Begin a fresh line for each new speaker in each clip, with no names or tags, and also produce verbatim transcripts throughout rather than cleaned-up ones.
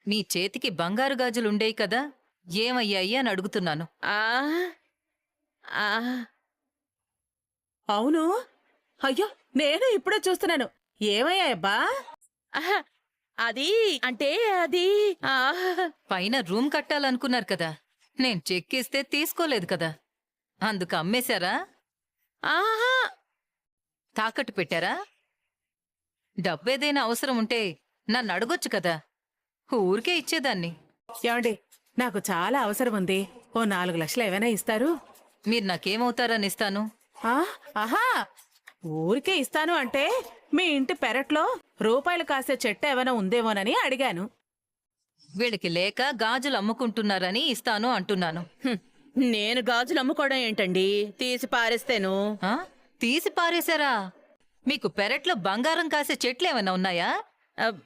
మీ చేతికి బంగారు గాజులుండేయి కదా, ఏమయ్యాయి అని అడుగుతున్నాను.
ఆ ఆ
అవును. అయ్యో, నేను ఇప్పుడే చూస్తున్నాను. ఏమయ్యాయబ్బా?
ఆహా, అది అంటే అది ఆ
పైన రూమ్ కట్టాలనుకున్నారు కదా, నేను చెక్కిస్తే తీసుకోలేదు కదా, అందుకు అమ్మేశారా?
ఆహా,
తాకట్టు పెట్టారా? డబ్బేదైనా అవసరం ఉంటే నన్ను అడగొచ్చు కదా, ఊరికే ఇచ్చేదాన్ని.
ఏమండి, నాకు చాలా అవసరం ఉంది. ఓ నాలుగు లక్షలు ఏమైనా ఇస్తారు?
మీరు నాకేమవుతారని ఇస్తాను?
ఆ, ఆహా, ఊరికే ఇస్తాను అంటే మీ ఇంటి పెరట్లో రూపాయలు కాసే చెట్టు ఏమైనా ఉందేమోనని అడిగాను.
వీళ్ళకి లేక గాజులు అమ్ముకుంటున్నారని ఇస్తాను అంటున్నాను.
హ్మ్, నేను గాజులు అమ్ముకోవడం ఏంటండి, తీసి పారేస్తేను.
ఆ? తీసి పారేశారా? మీకు పెరట్లో బంగారం కాసే చెట్లు ఏమైనా ఉన్నాయా?
అబ్,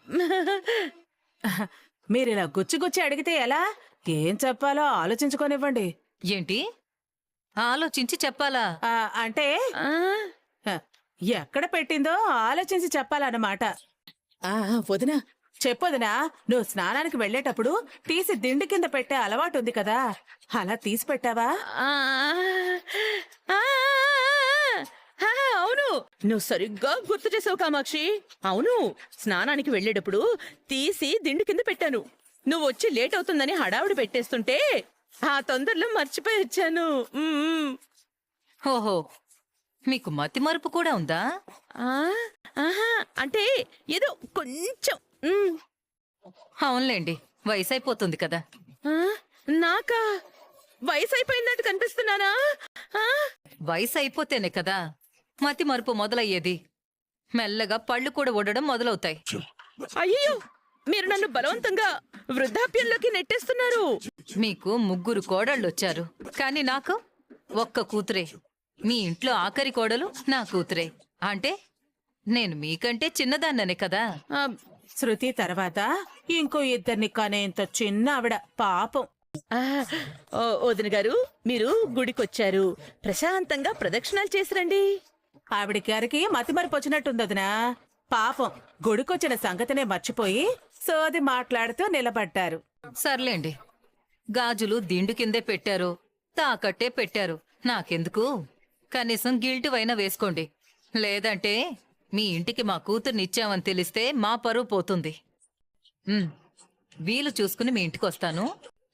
మీరిలా గుచ్చి గుచ్చి అడిగితే ఎలా? ఏం చెప్పాలో ఆలోచించుకోనివ్వండి.
ఏంటి ఆలోచించి చెప్పాలా?
ఆ, అంటే
ఆ,
హ, ఎక్కడ పెట్టిందో ఆలోచించి చెప్పాలన్నమాట. ఆ, వదినా, చెప్పొదినా, నువ్వు స్నానానికి వెళ్ళేటప్పుడు తీసి దిండు కింద పెట్టే అలవాటు ఉంది కదా, అలా తీసి పెట్టావా?
ఆ, ఆ, ఆ, అవును, నువ్వు సరిగ్గా గుర్తు చేసావు కామాక్షి. అవును, స్నానానికి వెళ్ళేటప్పుడు తీసి దిండు కింద పెట్టాను. నువ్వు వచ్చి లేట్ అవుతుందని హడావుడి పెట్టేస్తుంటే ఆ తొందరలో మర్చిపోయి వచ్చాను. ఉమ్,
ఓహో, మీకు మతిమరుపు కూడా ఉందా?
ఆ, ఆహా, అంటే ఏదో కొంచెం. ఉమ్,
అవునులేండి, వయసు అయిపోతుంది కదా.
ఆ, నాకా వయసు అయిపోయిందంటూ కనిపిస్తున్నానా? ఆ,
వయసు అయిపోతేనే కదా మతిమరుపు మొదలయ్యేది. మెల్లగా పళ్ళు కూడా ఊడడం మొదలవుతాయి.
అయ్యో, మీరు నన్ను బలవంతంగా వృద్ధాప్యంలోకి నెట్టేస్తున్నారు.
మీకు ముగ్గురు కోడళ్ళొచ్చారు, కానీ నాకు ఒక్క కూతురే. మీ ఇంట్లో ఆఖరి కోడలు నా కూతురే. అంటే నేను మీకంటే చిన్నదాన్ననే కదా.
ఆ,
శృతి తర్వాత ఇంకో ఇద్దరిని కనేంత చిన్న ఆవిడ పాపం.
ఆ, ఓ, వదిన గారు, మీరు గుడికొచ్చారు, ప్రశాంతంగా ప్రదక్షిణాలు చేసిరండి.
ఆవిడ గారికి మతిమరుపు వచ్చినట్టుంది వదినా. పాపం గుడికొచ్చిన సంగతినే మర్చిపోయి సోది మాట్లాడుతూ నిలబడ్డారు.
సర్లేండి, గాజులు దిండు కిందే పెట్టారు, తాకట్టే పెట్టారు, నాకెందుకు? కనీసం గిల్టు అయినా వేసుకోండి. లేదంటే మీ ఇంటికి మా కూతుర్నిచ్చామని తెలిస్తే మా పరువు పోతుంది. ఉమ్, వీలు చూసుకుని మీ ఇంటికి వస్తాను.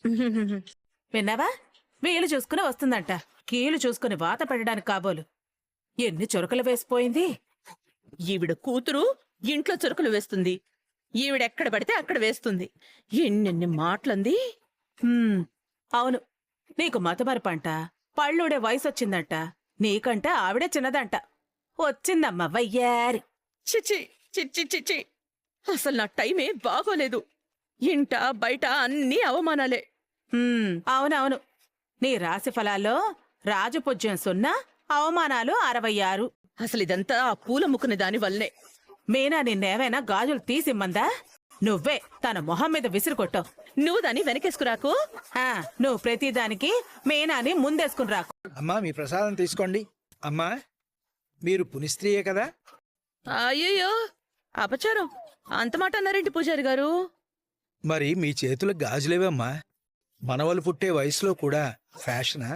విన్నావా? వీలు చూసుకుని వస్తుందంట, కీలు చూసుకుని వాత పెట్టడానికి కాబోలు. ఎన్ని చురకలు వేసిపోయింది.
ఈవిడ కూతురు ఇంట్లో చురుకులు వేస్తుంది, ఈవిడెక్కడ పడితే అక్కడ వేస్తుంది. ఎన్నెన్ని మాటలంది.
హ్మ్, అవును, నీకు మతమరపంట, పళ్ళుడే వయసొచ్చిందంట, నీకంటే ఆవిడే చిన్నదంట. వచ్చిందమ్మా వయ్యారి.
చిచి చిచి చిచి, అసలు నా టైమే బాగోలేదు. ఇంట బయట అన్ని అవమానాలే.
హ్మ్, అవునవును, నీ రాశి ఫలాల్లో రాజపూజ్యం సున్నా, అవమానాలు అరవై ఆరు.
అసలు ఇదంతా ఆ పూల ముక్కుని దాని వల్లనే.
మీనా నిన్నేమైనా గాజులు తీసిమ్మందా? నువ్వే తన మొహం మీద విసిరు కొట్టావు.
నువ్వు దాన్ని వెనకేసుకురాకు.
ఆ, నువ్వు ప్రతిదానికి మీనాని ముందేసుకుని రాకు.
అమ్మా, మీ ప్రసాదం తీసుకోండి. అమ్మా, మీరు పునిస్త్రీయే కదా?
అయ్యయ్యో, అపచారం, అంత మాట అన్నారేంటి పూజారి గారు?
మరి మీ చేతుల గాజులేవమ్మా? మనవలు పుట్టే వయసులో కూడా ఫ్యాషనా?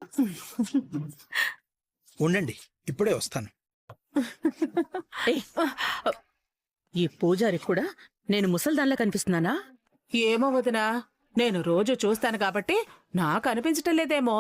ఉండండి, ఇప్పుడే వస్తాను.
ఏయ్, ఈ పూజారి కూడా నేను ముసల్దాన్లా కనిపిస్తున్నానా?
ఏమో వదినా, నేను రోజు చూస్తాను కాబట్టి నాకు అనిపించటం లేదేమో.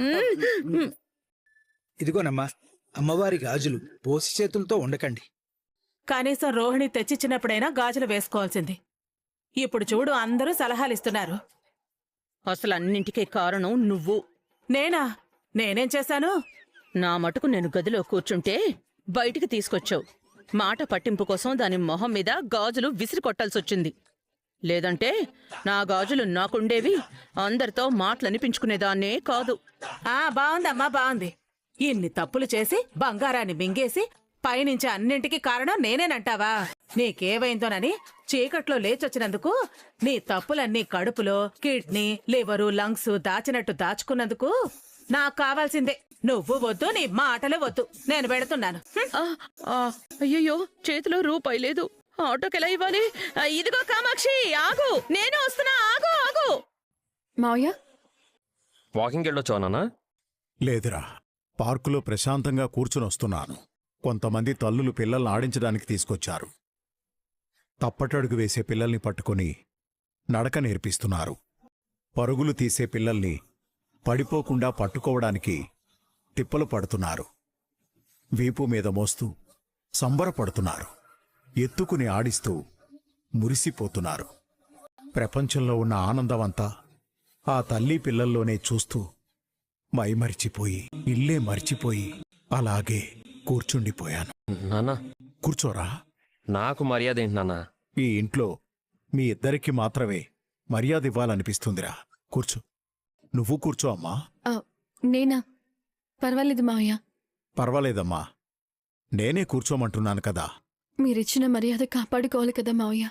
ఇదిగోనమ్మా, అమ్మవారి గాజులు పోసి చేతులతో ఉండకండి.
కనీసం రోహిణి తెచ్చిచ్చినప్పుడైనా గాజులు వేసుకోవాల్సింది. ఇప్పుడు చూడు, అందరూ సలహాలిస్తున్నారు.
అసలు అన్నింటికీ కారణం నువ్వు.
నేనా? నేనేం చేశాను?
నా మటుకు నేను గదిలో కూర్చుంటే బయటికి తీసుకొచ్చావు. మాట పట్టింపు కోసం దాని మొహం మీద గాజులు విసిరి కొట్టాల్సొచ్చింది. లేదంటే నా గాజులు నాకుండేవి, అందరితో మాటలనిపించుకునేదాన్నే కాదు.
ఆ, బావుందమ్మా, బావుంది. ఇన్ని తప్పులు చేసి బంగారాన్ని మింగేసి పైనుంచి అన్నింటికి కారణం నేనేనంటావా? నీకేవైందోనని చీకట్లో లేచొచ్చినందుకు, నీ తప్పులన్నీ కడుపులో కిడ్నీ, లివరు, లంగ్స్ దాచినట్టు దాచుకున్నందుకు నాకు కావాల్సిందే. నువ్వు వద్దు, నీ మాటలు వద్దు, నేను పెడుతున్నాను.
ఆ, ఆ, అయ్యయ్యో, చేతిలో రూపాయి లేదు. ఆటోకి ఎలా ఇవ్వాలి? ఆ, ఇదిగో కామాక్షి, ఆగు, నేను వస్తున్నా, ఆగు ఆగు.
మావయ్య
వాకింగ్ వెళ్ళొచ్చా నాన్న?
లేదురా, పార్కులో ప్రశాంతంగా కూర్చునొస్తున్నాను. కొంతమంది తల్లులు పిల్లల్ని ఆడించడానికి తీసుకొచ్చారు. తప్పటడుగు వేసే పిల్లల్ని పట్టుకొని నడక నేర్పిస్తున్నారు. పరుగులు తీసే పిల్లల్ని పడిపోకుండా పట్టుకోవడానికి తిప్పలు పడుతున్నారు. వీపు మీద మోస్తూ సంబరపడుతున్నారు. ఎత్తుకుని ఆడిస్తూ మురిసిపోతున్నారు. ప్రపంచంలో ఉన్న ఆనందమంతా ఆ తల్లి పిల్లల్లోనే చూస్తూ మైమరిచిపోయి ఇల్లే మరిచిపోయి అలాగే కూర్చుండిపోయాను.
నాన్న,
కూర్చోరా.
నాకు మర్యాద ఏంటి నాన్న?
ఈ ఇంట్లో మీ ఇద్దరికి మాత్రమే మర్యాద ఇవ్వాలనిపిస్తుందిరా. కూర్చో. నువ్వు కూర్చో అమ్మా.
ఆ, నేనా? పర్వాలేదు మావయ్య.
పర్వాలేదమ్మా, నేనే కూర్చోమంటున్నాను కదా.
మీరిచ్చిన మర్యాద కాపాడుకోవాలి కదా మావయ్య.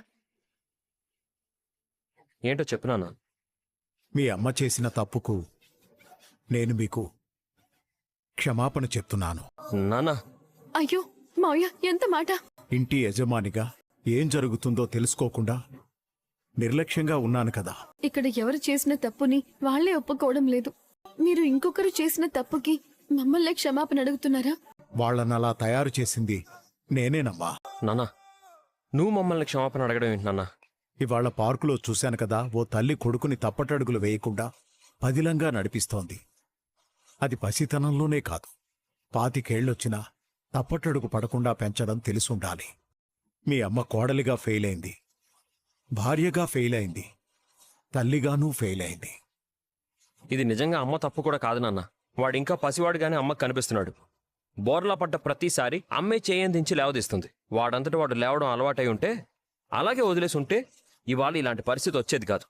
ఏంటో చెప్పు నాన్న.
మీ అమ్మ చేసిన తప్పుకు నేను మీకు క్షమాపణ చెప్తున్నాను.
నాన్న,
అయ్యో మావయ్య, ఎంత మాట!
ఇంటి యజమానిగా ఏం జరుగుతుందో తెలుసుకోకుండా నిర్లక్ష్యంగా ఉన్నాను కదా.
ఇక్కడ ఎవరు చేసిన తప్పుని వాళ్లే ఒప్పుకోవడం లేదు. మీరు ఇంకొకరు చేసిన తప్పుకి మమ్మల్ని క్షమాపణ అడుగుతున్నారా?
వాళ్ళనలా తయారు చేసింది నేనేనమ్మా.
నాన్న, నువ్వు మమ్మల్ని క్షమాపణ అడగడం ఏంటి నాన్న?
ఇవాళ పార్కులో చూశాను కదా, ఓ తల్లి కొడుకుని తప్పటడుగులు వేయకుండా పదిలంగా నడిపిస్తోంది. అది పసితనంలోనే కాదు, పాతికేళ్లొచ్చినా తప్పటడుగు పడకుండా పెంచడం తెలుసుండాలి. మీ అమ్మ కోడలిగా ఫెయిల్ అయింది, భార్యగా ఫెయిల్ అయింది, తల్లిగానూ ఫెయిల్ అయింది.
ఇది నిజంగా అమ్మ తప్పు కూడా కాదు నాన్న. వాడింకా పసివాడుగానే అమ్మకు కనిపిస్తున్నాడు. బోర్లా పడ్డ ప్రతిసారి అమ్మే చేయందించి లేవదీస్తుంది. వాడంతటి వాడు లేవడం అలవాటై ఉంటే, అలాగే వదిలేసి ఉంటే ఇవాళ ఇలాంటి పరిస్థితి వచ్చేది కాదు.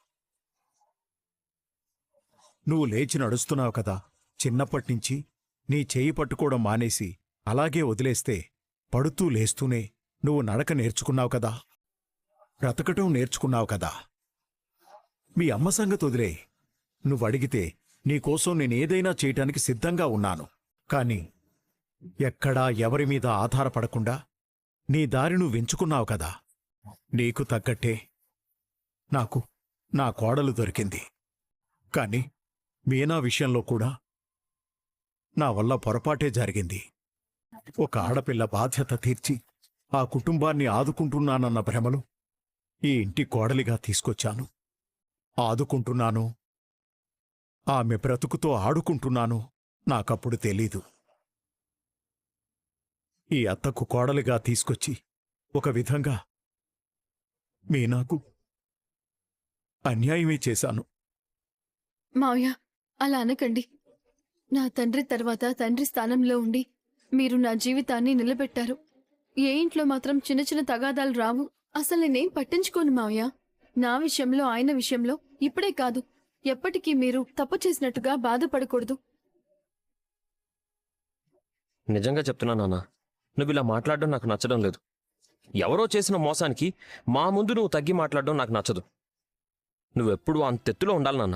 నువ్వు లేచి నడుస్తున్నావు కదా, చిన్నప్పటినుంచి నీ చేయి పట్టుకోవడం మానేసి అలాగే వదిలేస్తే పడుతూ లేస్తూనే నువ్వు నడక నేర్చుకున్నావు కదా, బ్రతకటం నేర్చుకున్నావు కదా. మీ అమ్మ సంగతి వదిలే. నువ్వడిగితే నీకోసం నేనేదైనా చేయటానికి సిద్ధంగా ఉన్నాను. కాని ఎక్కడా ఎవరి మీద ఆధారపడకుండా నీ దారి నువ్వు ఎంచుకున్నావు కదా. నీకు తగ్గట్టే నాకు నా కోడలు దొరికింది. కాని మీనా విషయంలో కూడా నా వల్ల పొరపాటే జరిగింది. ఒక ఆడపిల్ల బాధ్యత తీర్చి ఆ కుటుంబాన్ని ఆదుకుంటున్నానన్న భ్రమలో ఈ ఇంటి కోడలిగా తీసుకొచ్చాను. ఆదుకుంటున్నాను, ఆమె బ్రతుకుతో ఆడుకుంటున్నాను నాకప్పుడు తెలీదు. ఈ అత్తకు కోడలిగా తీసుకొచ్చి ఒక విధంగా మీనాకు అన్యాయమే చేశాను.
మావయ్య, అలా అనకండి. నా తండ్రి తర్వాత తండ్రి స్థానంలో ఉండి మీరు నా జీవితాన్ని నిలబెట్టారు. ఏ ఇంట్లో మాత్రం చిన్న చిన్న తగాదాలు రావు. అసలు నేనేం పట్టించుకోను మావయ్య. నా విషయంలో, ఆయన విషయంలో ఇప్పుడే కాదు, ఎప్పటికీ మీరు తప్పు చేసినట్టుగా బాధపడకూడదు.
నిజంగా చెప్తున్నా నాన్న, నువ్వు ఇలా మాట్లాడడం నాకు నచ్చడం లేదు. ఎవరో చేసిన మోసానికి మా ముందు నువ్వు తగ్గి మాట్లాడడం నాకు నచ్చదు. నువ్వెప్పుడు అంతెత్తులో ఉండాలి నాన్న.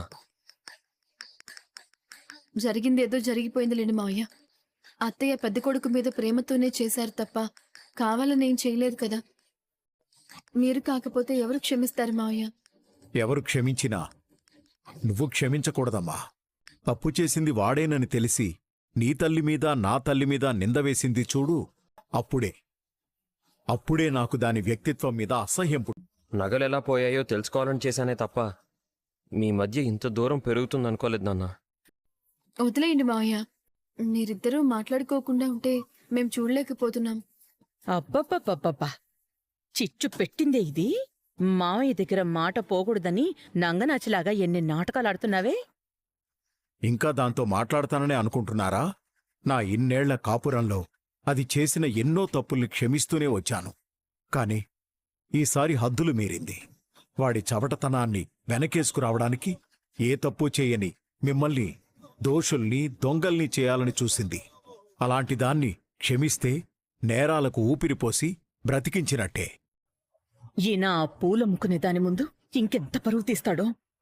జరిగింది ఏదో జరిగిపోయిందిలేండి మావయ్య. అత్తయ్య పెద్ద కొడుకు మీద ప్రేమతోనే చేశారు తప్ప కావాలని ఏం చేయలేదు కదా. మీరు కాకపోతే ఎవరు క్షమిస్తారు మావయ్య?
ఎవరు క్షమించినా నువ్వు క్షమించకూడదమ్మా. తప్పు చేసింది వాడేనని తెలిసి నీ తల్లి మీద నా తల్లి మీద నింద వేసింది చూడు, అప్పుడే అప్పుడే నాకు దాని వ్యక్తిత్వం మీద అసహ్యం పుట్టింది.
నగలు ఎలా పోయాయో తెలుసుకోవాలని చేశానే తప్ప మీ మధ్య ఇంత దూరం పెరుగుతుందనుకోలేదు నాన్న.
వదిలేయండి మావయ్య. మీరిద్దరూ మాట్లాడుకోకుండా ఉంటే మేం చూడలేకపోతున్నాం.
అబ్బబ్బబ్బబ్బబ్బా, చిచ్చు పెట్టిందే ఇది. మావయ్య దగ్గర మాట పోకూడదని నంగనాచిలాగా ఎన్ని నాటకాలు ఆడుతున్నావే.
ఇంకా దాంతో మాట్లాడతాననే అనుకుంటున్నారా? నా ఇన్నేళ్ల కాపురంలో అది చేసిన ఎన్నో తప్పుల్ని క్షమిస్తూనే వచ్చాను. కాని ఈసారి హద్దులు మీరింది. వాడి చవటతనాన్ని వెనకేసుకురావడానికి ఏ తప్పు చేయని మిమ్మల్ని దోషుల్ని, దొంగల్ని చేయాలని చూసింది. అలాంటి దాన్ని క్షమిస్తే నేరాలకు ఊపిరిపోసి బ్రతికించినట్టే.
ఈయన ఆ పూల ముక్కునే దాని ముందు ఇంకెంత పరువు తీస్తాడో.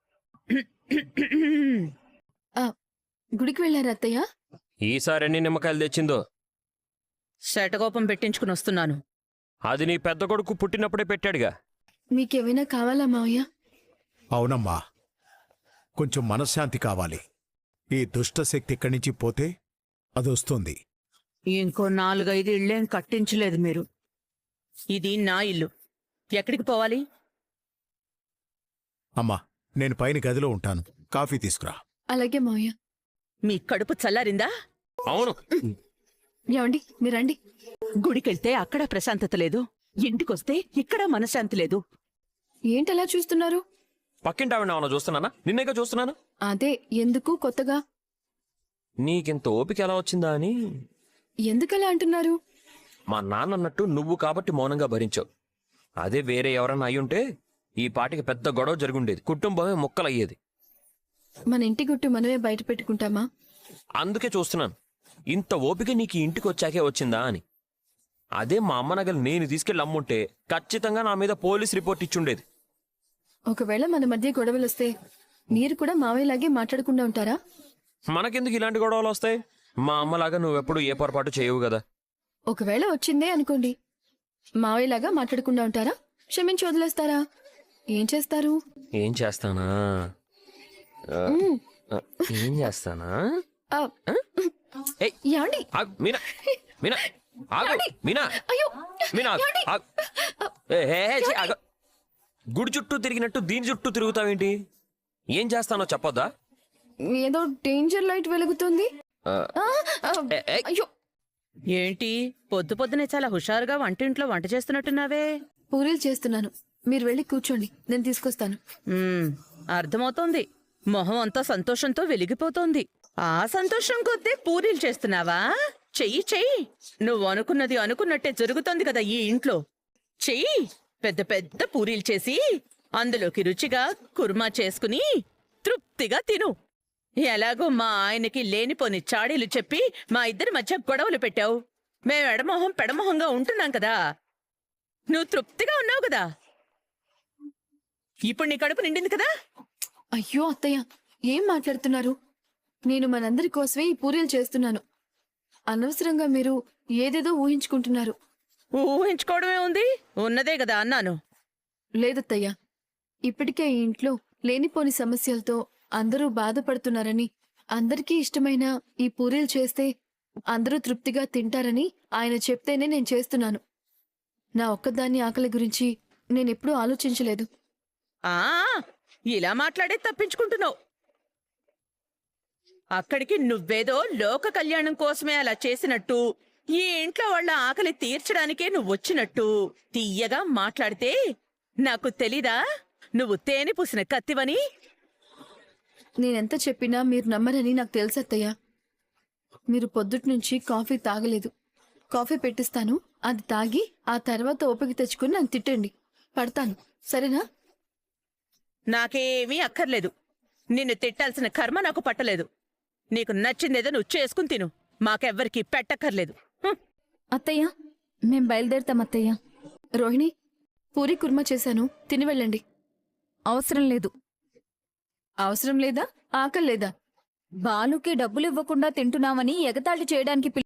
ఆ, గుడికి వెళ్ళారా అత్తయ్య?
ఈసారి ఎన్ని నిమ్మకాయలు తెచ్చిందో.
శటకోపం పెట్టించుకుని వస్తున్నాను.
అది నీ పెద్ద కొడుకు పుట్టినప్పుడే పెట్టాడుగా.
మీకేమైనా కావాలా మావయ్య?
అవునమ్మా, కొంచెం మనశ్శాంతి కావాలి. ఈ దుష్టశక్తి ఇక్కడి నుంచి పోతే అదొస్తుంది.
ఇంకో నాలుగైదు ఇళ్ళేం కట్టించలేదు మీరు. ఇది నా ఇల్లు. ఎక్కడికి పోవాలి?
అమ్మా, నేను పైన గదిలో ఉంటాను, కాఫీ తీసుకురా.
అలాగే మావయ్య.
మీ కడుపు చల్లారిందా?
అవును,
ఏమండి మీరండి.
గుడికెళ్తే అక్కడ ప్రశాంతత లేదు, ఇంటికొస్తే ఇక్కడ మనశ్శాంతి లేదు.
ఏంటలా చూస్తున్నారు?
పక్కింటి ఆవిడ ఏమన్నా చూస్తున్నానా? నిన్నేగా చూస్తున్నాను.
అదే ఎందుకు కొత్తగా?
నీకింత ఓపిక ఎలా వచ్చిందా అని.
ఎందుకలా అంటున్నారు?
మా నాన్న అన్నట్టు నువ్వు కాబట్టి మౌనంగా భరించావు. అదే వేరే ఎవరన్నా అయ్యుంటే ఈ పాటికి పెద్ద గొడవ జరుగుండేది, కుటుంబమే ముక్కలయ్యేది.
మన ఇంటి గుట్టు మనమే బయట పెట్టుకుంటామా?
అందుకే చూస్తున్నాను, ఇంత ఓపిక నీకు ఈ ఇంటికి వచ్చాకే వచ్చిందా అని. అదే మా అమ్మ నగలు నేను తీసుకెళ్ళి అమ్ముంటే ఖచ్చితంగా నా మీద పోలీస్ రిపోర్ట్ ఇచ్చుండేది.
ఒకవేళ మన మధ్య గొడవలు వస్తే మీరు కూడా మావయ్యలాగే మాట్లాడకుండా ఉంటారా?
మనకెందుకు ఇలాంటి గొడవలు వస్తాయి? మా అమ్మలాగా నువ్వెప్పుడు ఏ పొరపాటు చేయవు కదా.
ఒకవేళ వచ్చిందే అనుకోండి, మావయ్యలాగా మాట్లాడకుండా ఉంటారా? క్షమించి వదిలేస్తారా? ఏం చేస్తారు?
ఏం చేస్తానా ఆ, ఆ, ఏం చేస్తానా
ఆ,
ఏయ్,
ఏమండి?
ఆగు, మీనా మీనా ఆగు, మీనా
అయ్యో
మీనా ఆగు,
ఏమండి?
ఆగు. ఏ, ఏ, ఏ, ఛీ, ఆగు. గుడి చుట్టూ తిరిగినట్టు దీని చుట్టూ తిరుగుతావేంటి? ఏం చేస్తానో చెప్పొద్దా?
ఏదో డేంజర్ లైట్ వెలుగుతుంది.
ఆ,
ఆ, ఆ,
ఏ, ఏ,
అయ్యో
ఏంటి పొద్దు పొద్దునే చాలా హుషారుగా వంటింట్లో వంట చేస్తున్నట్టున్నావే?
పూరీలు చేస్తున్నాను. మీరు వెళ్ళి కూర్చోండి, నేను తీసుకొస్తాను.
మ్మ్, అర్థమవుతోంది. మొహం అంతా సంతోషంతో వెలిగిపోతోంది. ఆ సంతోషం కొద్దీ పూరీలు చేస్తున్నావా? చెయ్యి చెయ్యి. నువ్వు అనుకున్నది అనుకున్నట్టే జరుగుతోంది కదా ఈ ఇంట్లో. చెయ్యి. పెద్ద పెద్ద పూరీలు చేసి అందులోకి రుచిగా కుర్మా చేసుకుని తృప్తిగా తిను. ఎలాగో మా ఆయనకి లేనిపోని చాడీలు చెప్పి మా ఇద్దరి మధ్య గొడవలు పెట్టావు. మేం ఎడమొహం పెడమొహంగా ఉంటున్నాం కదా. నువ్వు తృప్తిగా ఉన్నావు కదా. ఇప్పుడు నీ కడుపు నిండింది కదా.
అయ్యో అత్తయ్య, ఏం మాట్లాడుతున్నారు? నేను మనందరి కోసమే ఈ పూరీలు చేస్తున్నాను. అనవసరంగా మీరు ఏదేదో ఊహించుకుంటున్నారు.
ఊహించుకోవడమే ఉంది, ఉన్నదే కదా అన్నాను.
లేదత్తయ్య, ఇప్పటికే ఈ ఇంట్లో లేనిపోని సమస్యలతో అందరూ బాధపడుతున్నారని, అందరికీ ఇష్టమైన ఈ పూరీలు చేస్తే అందరూ తృప్తిగా తింటారని ఆయన చెప్తేనే నేను చేస్తున్నాను. నా ఒక్కదాన్ని ఆకలి గురించి నేనెప్పుడూ ఆలోచించలేదు.
ఆ ఇలా మాట్లాడే తప్పించుకుంటున్నావు. అక్కడికి నువ్వేదో లోక కళ్యాణం కోసమే అలా చేసినట్టు, ఈ ఇంట్లో వాళ్ళ ఆకలి తీర్చడానికే నువ్వు వచ్చినట్టు తీయగా మాట్లాడితే నాకు తెలీదా నువ్వు తేనె పూసిన కత్తివని?
నేనెంత చెప్పినా మీరు నమ్మరని నాకు తెలుసు అత్తయ్య. మీరు పొద్దుటి నుంచి కాఫీ తాగలేదు. కాఫీ పెట్టిస్తాను, అది తాగి ఆ తర్వాత ఓపిక తెచ్చుకుని నాకు తిట్టండి. పడతాను, సరేనా?
నాకేమీ అక్కర్లేదు. నిన్ను తిట్టాల్సిన కర్మ నాకు పట్టలేదు. నీకు నచ్చిందేదో నువ్వు చేసుకుని తిను. మాకెవ్వరికి పెట్టక్కర్లేదు. హ్మ్.
అత్తయ్య, మేం బయలుదేరుతాం అత్తయ్య. రోహిణి, పూరి కుర్మా చేశాను, తిని వెళ్ళండి.
అవసరం లేదు.
అవసరం లేదా? ఆకలి లేదా?
బాలుకి డబ్బులివ్వకుండా తింటున్నామని ఎగతాళి చేయడానికి